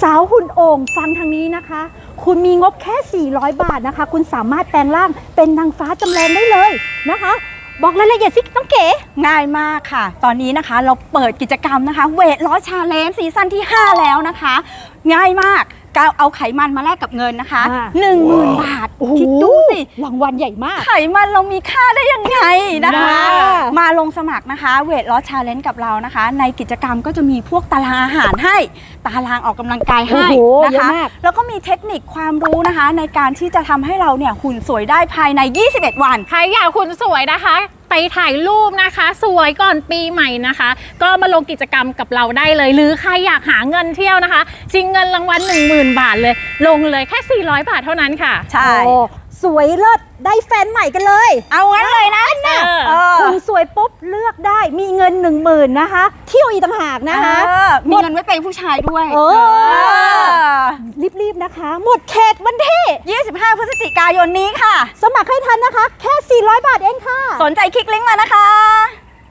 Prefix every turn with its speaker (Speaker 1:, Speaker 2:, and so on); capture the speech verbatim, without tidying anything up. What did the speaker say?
Speaker 1: สาวหุ่นโอ่งฟังทางนี้นะคะ คุณมีงบแค่สี่ร้อยบาทนะคะคุณสามารถแปลงร่างเป็นนางฟ้าจำแรงได้เลยนะคะบอกรายละเอียดสิน้องเก๋
Speaker 2: ง่ายมากค่ะตอนนี้นะคะเราเปิดกิจกรรมนะคะเวทลอสชาเลนจ์ซีซั่นที่ห้าแล้วนะคะง่ายมากการเอาไขมันมาแลกกับเงินนะคะ หนึ่งหมื่น บาทคิดดูสิ
Speaker 1: รางวัลใหญ่มาก
Speaker 2: ไขมันเรามีค่าได้ยังไงนะคะ
Speaker 1: นะ
Speaker 2: มาลงสมัครนะคะเวทลอสชาเลนจ์กับเรานะคะ ในกิจกรรมก็จะมีพวกตารางอาหารให้ตารางออกกำลังกายให้
Speaker 1: โอ้โห
Speaker 2: นะ
Speaker 1: เยอะ
Speaker 2: คะ
Speaker 1: มาก
Speaker 2: แล้วก็มีเทคนิคความรู้นะคะ ในการที่จะทำให้เราเนี่ยหุ่นสวยได้ภายใน ยี่สิบเอ็ด วัน
Speaker 3: ใครอยากคุณสวยนะคะ ไปถ่ายรูปนะคะ สวยก่อนปีใหม่นะคะ ก็มาลงกิจกรรมกับเราได้เลย หรือใครอยากหาเงินเที่ยวนะคะชิงเงินรางวัล หนึ่งหมื่น บาทเลย ลงเลยแค่สี่ร้อยบาทเท่านั้นค่ะ
Speaker 2: ใช่
Speaker 1: โอ้สวยเลิศได้แฟนใหม่กันเลย
Speaker 2: เอางั้นเลยนะ
Speaker 3: เออ
Speaker 2: เออ
Speaker 1: คุณสวยปุ๊บเลือกได้มีเงินหนึ่งหมื่นนะคะเที่ยวอีกต่างหากนะคะ
Speaker 2: เออมีเงินไว้เป็นผู้ชายด้วย
Speaker 1: เออ
Speaker 2: เออ
Speaker 1: รีบๆนะคะ หมดเขตวันที่
Speaker 2: ยี่สิบห้า พฤศจิกายนนี้ค่ะ
Speaker 1: สมัครให้ทันนะคะ แค่สี่ร้อยบาทเองค่ะ
Speaker 2: สนใจคลิกลิงก์มานะคะ